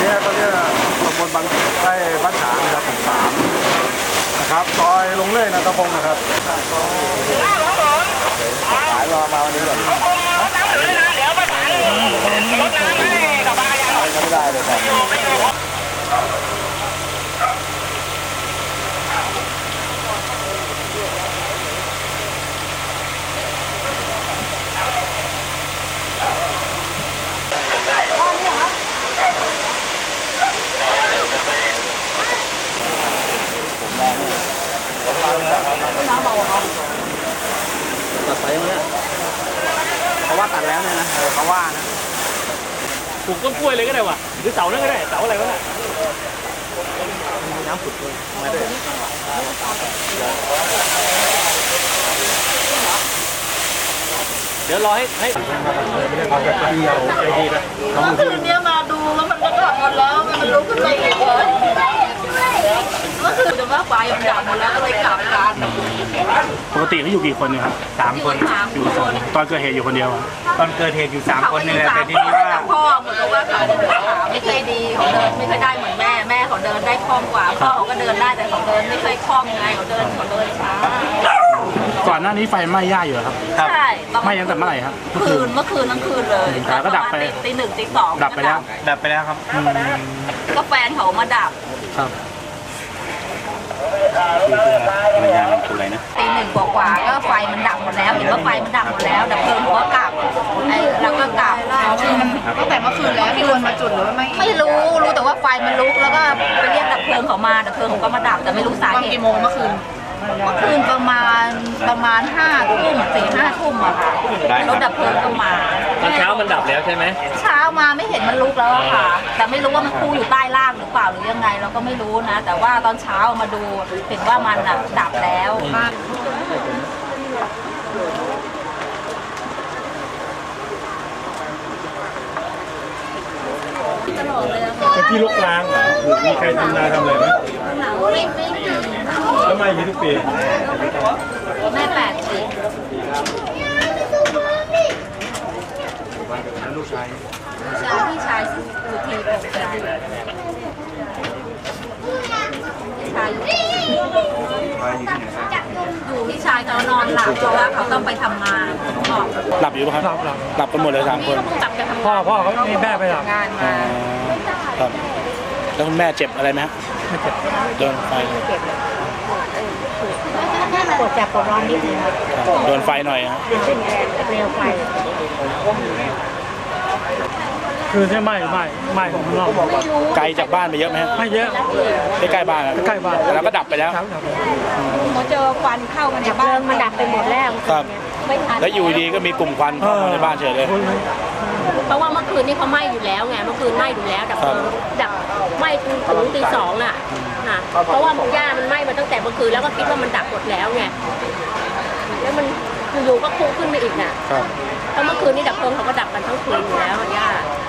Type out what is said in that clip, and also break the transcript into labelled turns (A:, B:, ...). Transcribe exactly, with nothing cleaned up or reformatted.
A: นี้ก็เรียกตำบลบางใต้บ้านฉางนะครับผมสามนะครับซอยลงเลื่อยนะตะพงนะครับขายรอมาวันนี้ก่อนไม่ได้เลยครับน้ำเบาครับตัดไปไหมเนี่ยเขาว่าตัดแล้วเนี่ยนะเขาว่านะ
B: ปลูกต้นกล้วยเลยก็ได้ว่ะหรือเสานั่นก็ได้เสาอะไรวะน่ะน้ำผุดเลยมาด้วยเดี๋ยวรอให้ให้ไม่ได้พักแบบเดียวใจดีนะ
C: เมื่อคืนนี้มาดูแล้วมันก็กลับหมดแล้วมันลุกขึ้นมาอีกเลยเมื่อคืนจะว่าไฟมันดับหมดแล้วก็เลยกลับกัน
B: ปกติเขาอยู่กี่คนเนี่ยครับ
D: สามคน
B: อยู่สองตอนเกิดเหตุอยู่คนเดียว
D: ตอนเกิดเหตุอยู่สามคนนี่แหละแต่ทีนี้ว่า
C: พ่อเหมือนกับว่าเขาขาไม่เคยดีเขาเดินไม่เคยได้เหมือนแม่แม่เขาเดินได้คล่องกว่าพ่อเขาก็เดินได้แต่เขาเดินไม่เคยคล่องไงเขาเดินเขาเดินช้า
B: ก่อนหน้านี้ไฟไหม้ย่าอยู่ครับ
C: ใช่
B: ไหม้ตั้งแต่เมื่อไหร่ครับ
C: เมื่อคืนเมื่อคืนทั้งคืนเลย
B: แล้วก็ดับไป
C: ตีหนึ่งตีสอง
B: ดับไปแล้ว
D: ดับไปแล้วครับ
C: ก็แฟนเขามาดับ
B: ครับ
D: มันยางตัวอะไรนะ
C: ตีหนึ่งกว่าๆก็ไฟมันดับหมดแล้วเห็นว่าไฟมันดับหมดแล้วดับเพลิงหัวกลับไอ้แล้วก็กลับ
E: ตั้งแต่เมื่อคืนแล้วมีคนมาจุดหรือว่าไม่
C: ไม่รู้รู้แต่ว่าไฟมันลุกแล้วก็ไปเรียกดับเพลิงเขามาดับเพลิงเขาก็มาดับแต่ไม่รู้สาเหตุ
E: กี่โมงเมื่อคืน
C: เมื่อคืนประมาณประมาณห้าทุ่มสี่ห้าทุ่มอะค่ะรถดับเพลิงก็มา
B: ตอนเช้ามันดับแล้วใช่ไหม
C: เช้ามาไม่เห็นมันลุกแล้วค่ะแต่ไม่รู้ว่ามันคู่อยู่ใต้ล่างหรือเปล่าหรือยังไงเราก็ไม่รู้นะแต่ว่าตอนเช้ามาดูเห็นว่ามันดับแล้ว
A: เป็นที่ลุกล้างเหรอมีใครทำนาทำอะไรไหม
C: ไม่ไม่มี
A: แล้วไม่มีทุกปี
C: แม่แปดสิบ
A: ลูกชาย
C: ชายพี่ชายอยู่ทีปกติพี่ชายอยู่พี่ชายเขานอนหลับเพราะว่าเขาต้องไปทำงาน
B: หลับอยู่ป่ะครับหลับหลับกันหมดเลยสามคน
C: พ่อ
B: พ่อเขามีแม่ไปหลับ
C: งานมา
B: ครับแล้วคุณแม่เจ็บอะไรไหมฮะไม่เจ็บโดนไฟ
E: ปวดจับปวดร้อนนิดนึง
B: โดนไฟหน่อยฮะ
E: เป็นเปลวไฟ
B: คือใช่ไหมไม่ไม่ของเราไกลจากบ้านไปเยอะไหมฮะไม่เยอะใกล้บ้านใกล้บ้านแล้วก็ดับไปแล้ว
C: เขาเจอควันเข้ามาในบ้าน
E: มันดับไปหมดแล้ว
B: ครับแล้วอยู่ดีก็มีกลุ่มควันเข้ามาในบ้านเฉยเลย
F: เพราะว่าเมื่อคืนนี้เขาไหม้อยู่แล้วไงเมื่อคืนไหม้อยู่แล้วดับดับไหม้ถึงตีสองน่ะนะเพราะว่าหญ้ามันไหม้มาตั้งแต่เมื่อคืนแล้วก็คิดว่ามันดับหมดแล้วไงแล้วมันอยู่ก็พุ่งขึ้นมาอีกน่ะเพราะเมื่อคืนนี้ดับเพลิงเขาก็ดับกันทั้งคืนอยู่แล้วหญ้า